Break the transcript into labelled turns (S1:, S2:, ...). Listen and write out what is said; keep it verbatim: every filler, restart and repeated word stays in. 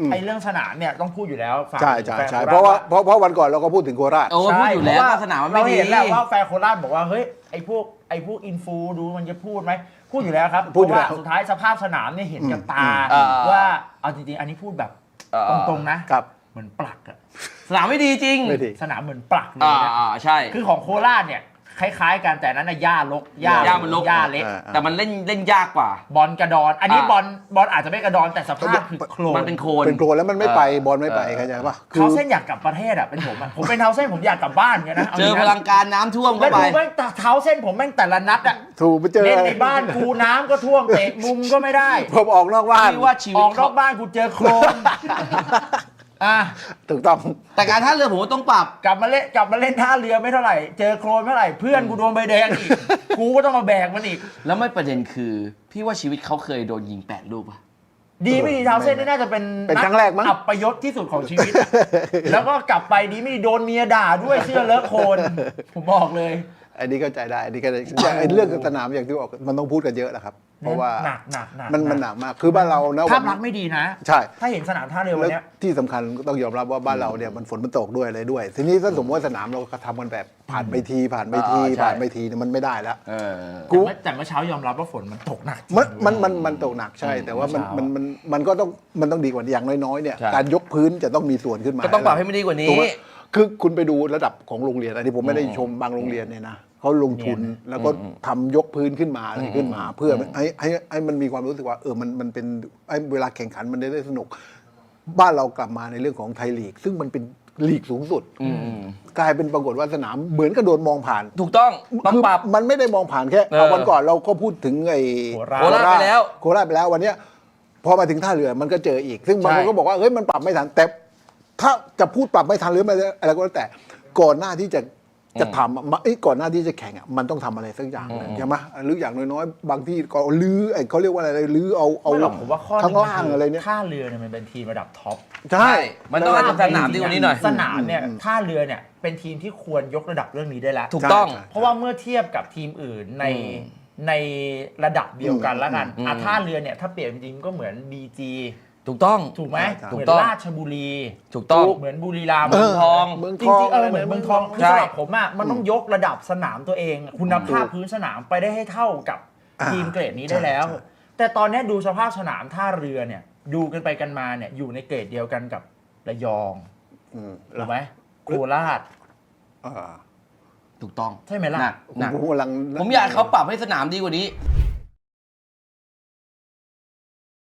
S1: ไอ้เรื่องสนามเนี่ยต้องพูดอยู่แล้ว
S2: ใช่ใช่ใช่เพราะว่าเพราะเพราะวันก่อนเราก็พูดถึงโคราช
S3: โอ้พูดอยู่แล้วว่าสนามมันไม่ดี
S1: เราเห็นแล้วว่าแฟนโคราชบอกว่าเฮ้ยไอ้พวกไอ้พวกอินฟูดูมันจะพูดไหมพูดอยู่แล้วครับเพราะว่าสุดท้ายสภาพสนามเนี่ยเห็นกับตาว่าเอาจริงๆอันนี้พูดแบบตรงๆนะครับเหมือนปลักอะ
S3: สนามไม่ดีจริง
S1: สนามเหมือนปลักเลยนะ
S3: อ่าใช่
S1: คือของโคราชเนี่ยคล้ายๆกันแต่นั้นน่ะหญ้าลกหญ้า
S3: หญ้ามันลก
S1: หญ้าเล็ก
S3: แต่มันเล่นเล่นยากกว่า
S1: บอลกระดอนอันนี้บอลบอลอาจจะไม่กระดอนแต่สภาพคือโคลน
S3: มันเป็นโคลน
S2: เป็นโคลนแล้วมันไม่ไปบอลไม่ไปเข้าใจป่ะ
S1: เท้าเส้นอยากกลับประเทศอ่ะเป็นผมอ่ะผมเป็นเท้าเส้นผมอยากกลับบ้านกันนะ
S3: เจอพลังการน้ำท่วมเข้าไป
S1: แล้วดูแม่งเท้าเส้นผมแม่งแต่ละนัดอ่ะ
S2: ถูกไปเจอ
S1: เล่นในบ้านกูน้ำก็ท่วมเตะมุมก็ไม่ได้
S2: ผมออกนอกบ้าน
S3: ว่าชีวิต
S1: ออกนอกบ้านกูเจอโคลนอ่ะ
S2: ถูกต้อง
S3: แต่การท่าเรือผมต้องปรับ
S1: กลับมาเล่นกลับมาเล่นท่าเรือไม่เท่าไหร่เจอโคลนเท่าไหร่เพื่อนกูโดนใบแดงอีกกูก็ต้องมาแบกมันอีก
S3: แล้วไม่ประเด็นคือพี่ว่าชีวิตเขาเคยโดนยิงแปดลูกป่ะ
S1: ดีไม่ดีเท้าเส้นนี่น่าจะเป็น
S2: เป็นครั้งแรกมั้ง
S1: อับประยศที่สุดของชีวิตแล้วก็กลับไปดีไม่ดีโดนเมียด่าด้วยเสื้อเลอะโคลนผมบอกเลย
S2: อันนี้เข้าใจได้อันนี้ก็เรื่องสนามอย่างที่บอกมันต้องพูดกันเยอะแหละครับเพราะว่า
S1: หนักหนักหนัก
S2: มันมันหนักมากคือบ้านเรานะ
S1: ภาพลักษณ์ไม่ดีนะ
S2: ใช่
S1: ถ้าเห็นสนามท่าเรือวันนี้
S2: ที่สำคัญต้องยอมรับว่าบ้านเราเนี่ยมันฝนมันตกด้วยอะไรด้วยทีนี้ถ้าสมมติว่าสนามเราทำกันแบบผ่านไปทีผ่านไปทีผ่านไปทีเนี่ยมันไม่ได้แล้ว
S1: กูแต่เมื่อเช้ายอมรับว่าฝนมันตกหนัก
S2: มันมันมันมันตกหนักใช่แต่ว่ามันมันมันมันก็ต้องมันต้องดีกว่าอย่างน้อยๆเนี่ยการยกพื้นจะต้องมีส่วนขึ้นมา
S3: ก็ต้องปรับให้มันดีกว่านี้
S2: คือคุณไปดูระดับของโรงเรียนอันนี้ผมไม่ได้ชมบางโรงเรียนเนี่ยนะเขาลงทุนแล้วก็ทำยกพื้นขึ้นมาอะไรขึ้นมา เพื่อให้ให้ให้มันมีความรู้สึกว่าเออมันมันเป็นเวลาแข่งขันมันได้สนุกบ้านเรากลับมาในเรื่องของไทยลีกซึ่งมันเป็นลีกสูงสุดกลายเป็นปรากฏว่าสนามเหมือนกับโดนมองผ่าน
S3: ถูกต้องต้องปรับ
S2: มันไม่ได้มองผ่านแค่วันก่อนเราก็พูดถึงไอ้
S3: โคราชไปแล้ว
S2: โคราชไปแล้ววันนี้พอมาถึงท่าเรือมันก็เจออีกซึ่งบางคนก็บอกว่าเฮ้ยมันปรับไม่ทันแต่ถ้าจะพูดปรับไม่ทันหรือไม่อะไรก็แล้วแต่ก่อนหน้าที่จะจะทำไอ้ก่อนหน้าที่จะแข่งอ่ะมันต้องทำอะไรสักอย่างใช่ไหมหรืออย่างน้อยๆบางที่ก็ลื้อไอ้เขาเรียกว่าอะไรลื้อเอาเอา
S1: ผมว่าข้อ
S2: ข้างล่างอะไรเนี่ย
S1: ท่าเรือเนี่ยมันเป็นทีมระดับท็อป
S2: ใช่
S3: มันต้องให้สนามดีกว่านี้หน่อย
S1: สนามเนี่ยท่าเรือเนี่ยเป็นทีมที่ควรยกระดับเรื่องนี้ได้แล้ว
S3: ถูกต้อง
S1: เพราะว่าเมื่อเทียบกับทีมอื่นในในระดับเดียวกันแล้วกันอ่ะท่าเรือเนี่ยถ้าเปรียบจริงก็เหมือน บี จี
S3: ถูกต้อง
S1: ถูกไหมเหมือนราชบุรี
S3: ถูกต้อง
S1: เหมือนบุรีรัมย์
S3: เมืองทอง
S1: จริงๆเออเหมือนเมืองทองคือสำหรับผมอ่ะมันต้องยกระดับสนามตัวเองคุณภาพพื้นสนามไปได้ให้เท่ากับทีมเกรดนี้ได้แล้วแต่ตอนนี้ดูสภาพสนามท่าเรือเนี่ยดูกันไปกันมาเนี่ยอยู่ในเกรดเดียวกันกับระยองถูกไหมโคราช
S3: ถูกต้อง
S1: ใช่ไหมล่ะ
S3: ผมอยากเขาปรับให้สนามดีกว่านี้